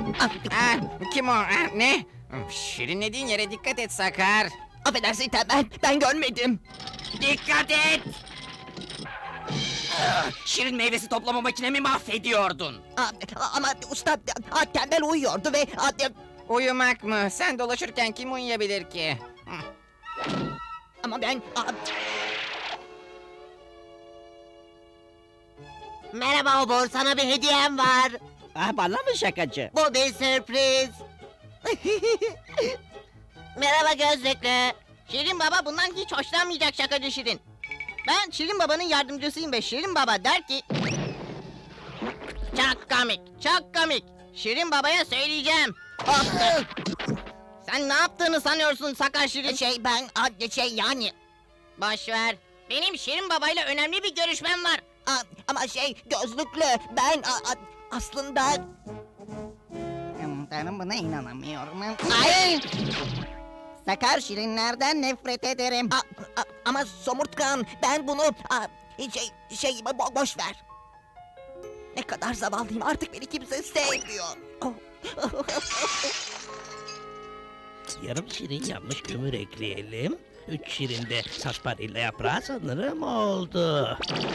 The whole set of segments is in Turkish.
Kim o? Ne? Şirinlediğin yere dikkat et Sakar. Affedersin Tembel, ben görmedim. Dikkat et! Şirin meyvesi toplama makinemi mahvediyordun. Ama usta, Tembel uyuyordu ve... Uyumak mı? Sen dolaşırken kim uyuyabilir ki? Ama ben... Merhaba Obur, sana bir hediyem var. Bana mı şakacı? Bu bir sürpriz. Merhaba gözlüklü. Şirin Baba bundan hiç hoşlanmayacak şakacı Şirin. Ben Şirin Baba'nın yardımcısıyım ve Şirin Baba der ki... Çok komik, çok komik. Şirin Baba'ya söyleyeceğim. Sen ne yaptığını sanıyorsun Sakar Şirin? Yani... Boş ver. Benim Şirin Baba'yla önemli bir görüşmem var. Ama gözlüklü, ben aslında... Ben buna inanamıyorum. Ay! Sakar Şirinlerden nefret ederim. Ama somurtkan, ben bunu... boş ver. Ne kadar zavallıyım, artık beni kimse sevmiyor. Yarım şirin yanmış kömür ekleyelim. 3 şirin de sarsaparilla yaprağı sanırım oldu.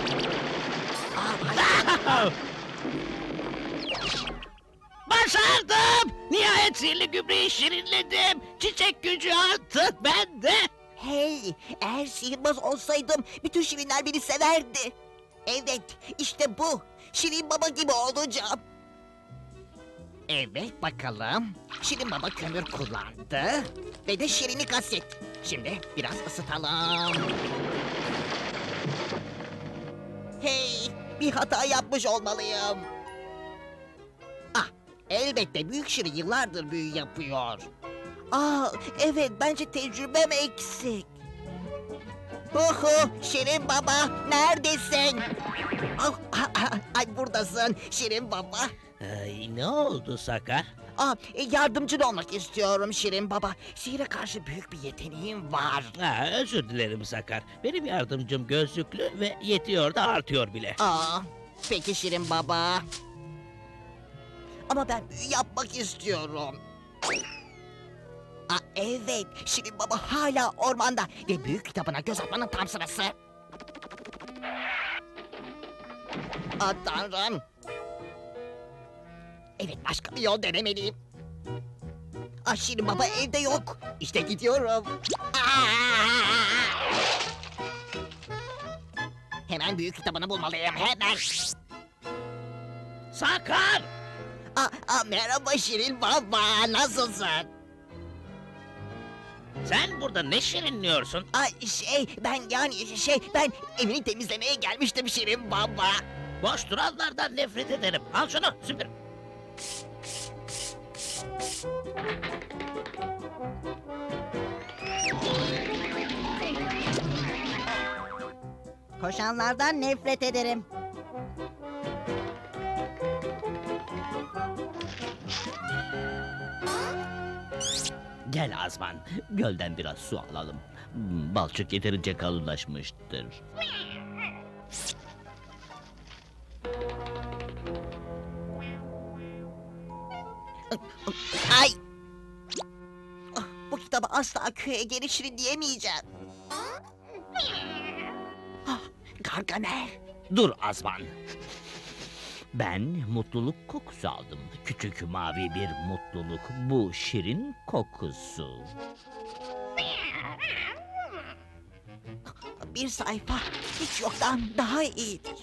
Başardım! Nihayet sihirli gübreyi şirinledim. Çiçek gücü artık bende. Hey, eğer sihirbaz olsaydım bütün şirinler beni severdi. Evet, işte bu. Şirin Baba gibi olacağım. Evet, bakalım. Şirin Baba kömür kullandı ve de şirini kastet. Şimdi biraz ısıtalım. Hey, bir hata yapmış olmalıyım. Elbette büyük şirin yıllardır büyü yapıyor. Evet, bence tecrübem eksik. Şirin Baba, neredesin? Ay, buradasın Şirin Baba. Ay, ne oldu Sakar? Yardımcın olmak istiyorum Şirin Baba. Sihire karşı büyük bir yeteneğim var. Özür dilerim Sakar. Benim yardımcım gözlüklü ve yetiyor da artıyor bile. Peki Şirin Baba. Ama ben büyü yapmak istiyorum. Evet, Şirin Baba hala ormanda ve büyük kitabına göz atmanın tam sırası. Tanrım. Evet, başka bir yol denemeliyim. Şirin Baba evde yok. İşte gidiyorum. Hemen büyük kitabını bulmalıyım, hemen. Sakar! Merhaba Şirin Baba, nasılsın? Sen burada ne şirinliyorsun? Ben evini temizlemeye gelmiştim Şirin Baba. Boş duranlardan nefret ederim. Al şunu süpür. Koşanlardan nefret ederim. Gel Azman, gölden biraz su alalım. Balçık yeterince kalınlaşmıştır. Ay! Bu kitabı asla köye geri şirinleyemeyeceğim. Gargamel. Dur Azman. Ben mutluluk kokusu aldım. Küçük mavi bir mutluluk. Bu şirin kokusu. Bir sayfa hiç yoktan daha iyidir.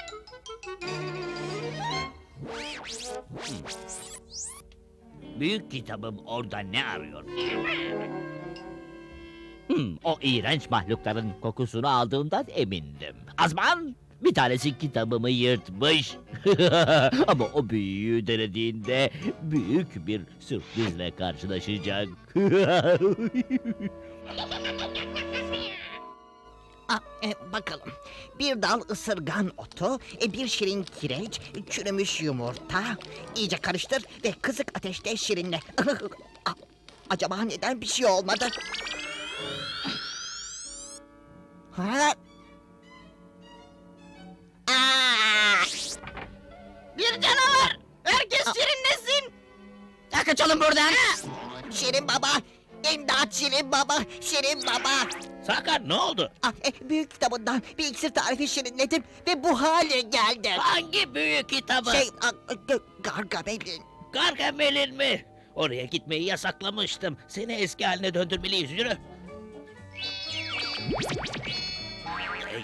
Büyük kitabım orada ne arıyor? O iğrenç mahlukların kokusunu aldığımdan emindim. Azman! Bir tanesi kitabımı yırtmış. Ama o büyüyü denediğinde büyük bir sürprizle karşılaşacak. Bakalım. Bir dal ısırgan otu, bir şirin kireç, çürümüş yumurta. İyice karıştır ve kısık ateşte şirinle. Acaba neden bir şey olmadı? Bir canavar! Herkes şirinlesin! Kaçalım buradan. Şirin Baba! İmdat Şirin Baba! Şirin Baba! Sakar ne oldu? Büyük kitabından bir iksir tarifi şirinledim ve bu hale geldim. Hangi büyük kitabı? Gargamel'in. Gargamel'in mi? Oraya gitmeyi yasaklamıştım. Seni eski haline döndürmeliyiz. Yürü. Hey,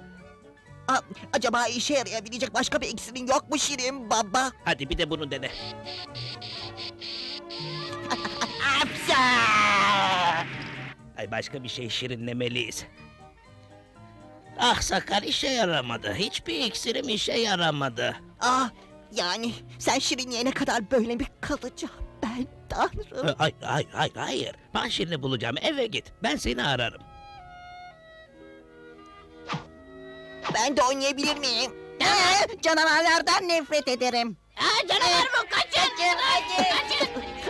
Acaba işe yarayabilecek başka bir iksirin yok mu Şirin Baba? hadi bir de bunu dene. Apsa! Ay başka bir şey şirinlemeliyiz. Ah Sakar işe yaramadı. Hiçbir iksirim işe yaramadı. Yani sen şirinleyene kadar böyle mi kalacağım ben Tanrım? Hayır. Ben şirini bulacağım. Eve git. Ben seni ararım. Ben de oynayabilir miyim? Canavarlardan nefret ederim. Canavar bu kaçın. Kaçın.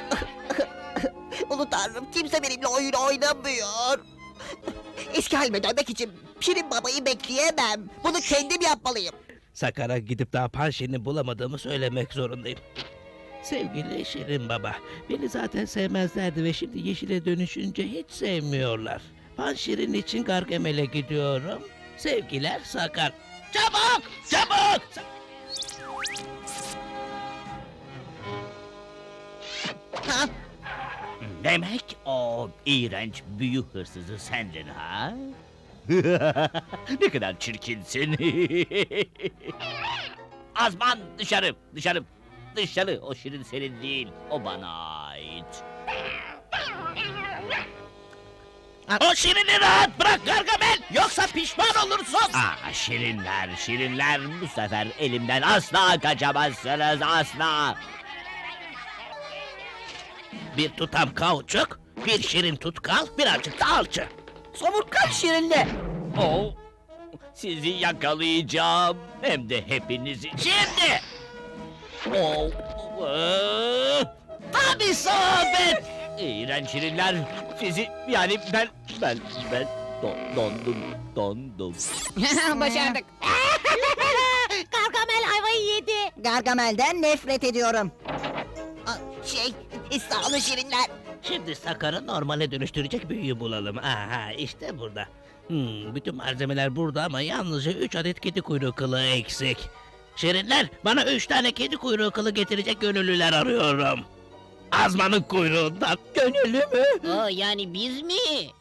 Ulu Tanrım kimse benimle oyun oynamıyor. Eski halime dönmek için Şirin Baba'yı bekleyemem. Bunu kendim yapmalıyım. Sakar'a gidip daha Panşirin'i bulamadığımı söylemek zorundayım. Sevgili Şirin Baba, beni zaten sevmezlerdi ve şimdi yeşile dönüşünce hiç sevmiyorlar. Panşirin için Gargamel'e gidiyorum. Sevgiler Sakar. Çabuk! Çabuk! Ha? Demek o iğrenç büyü hırsızı sendin ha? Ne kadar çirkinsin. Azman dışarı, dışarı, dışarı. O şirin senin değil, o bana ait. O Şirin'i rahat bırak Gargamel! Yoksa pişman olursun! Şirinler, şirinler, bu sefer elimden asla kaçamazsınız, asla. Bir tutam kauçuk, bir şirin tutkal, birazcık da alçı. Somurtkan Şirinle. Oh, sizi yakalayacağım, hem de hepinizi. Şimdi! Oh, Tam isabet! İğrenç şirinler, sizi yani ben dondum. Başardık. Gargamel ayvayı yedi. Gargamel'den nefret ediyorum. Sağ olun Şirinler. Şimdi Sakar'ı normale dönüştürecek büyüyü bulalım. Aha işte burada. Bütün malzemeler burada ama yalnızca 3 adet kedi kuyruğu kılı eksik. Şirinler bana 3 tane kedi kuyruğu kılı getirecek gönüllüler arıyorum. Azmanın kuyruğundan. Gönüllü mü? Yani biz mi?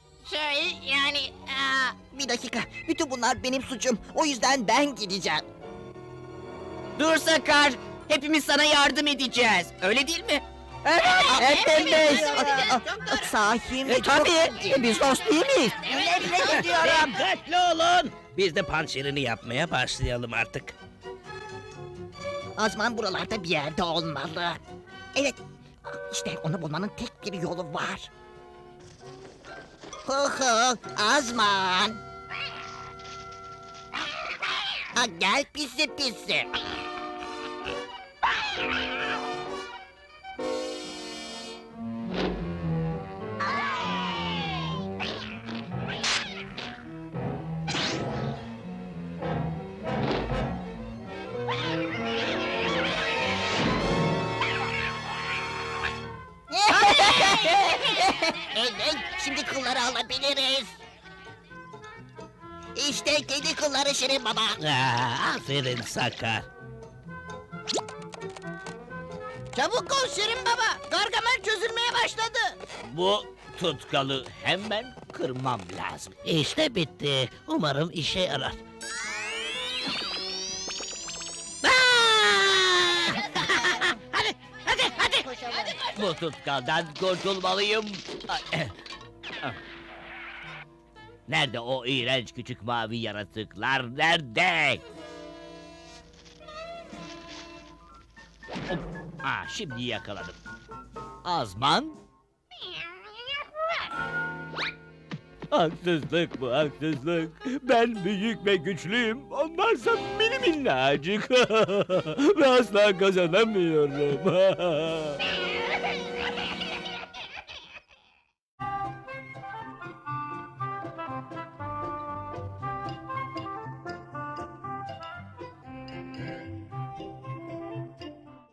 Bir dakika. Bütün bunlar benim suçum. O yüzden ben gideceğim. Dur Sakar. Hepimiz sana yardım edeceğiz. Öyle değil mi? Hepimiz. Sahi mi? Tabii. Biz dost değil miyiz? Nefret ediyorum. Dikkatli olun. Biz de pançerini yapmaya başlayalım artık. Azman buralarda bir yerde olmalı. Evet. İşte onu bulmanın tek bir yolu var. Azman. Gel pisi pisi. Evet, şimdi kılları alabiliriz. İşte kedi kılları Şirin Baba. Aferin Sakar. Çabuk ol Şirin Baba. Gargamel çözülmeye başladı. Bu tutkalı hemen kırmam lazım. İşte bitti. Umarım işe yarar. Hadi. Bu tutkaldan kurtulmalıyım. Nerede o iğrenç küçük mavi yaratıklar? Nerede? Hop. Şimdi yakaladım. Azman? Haksızlık bu haksızlık. Ben büyük ve güçlüyüm. Onlarsa mini minnacık. Ve asla kazanamıyorum.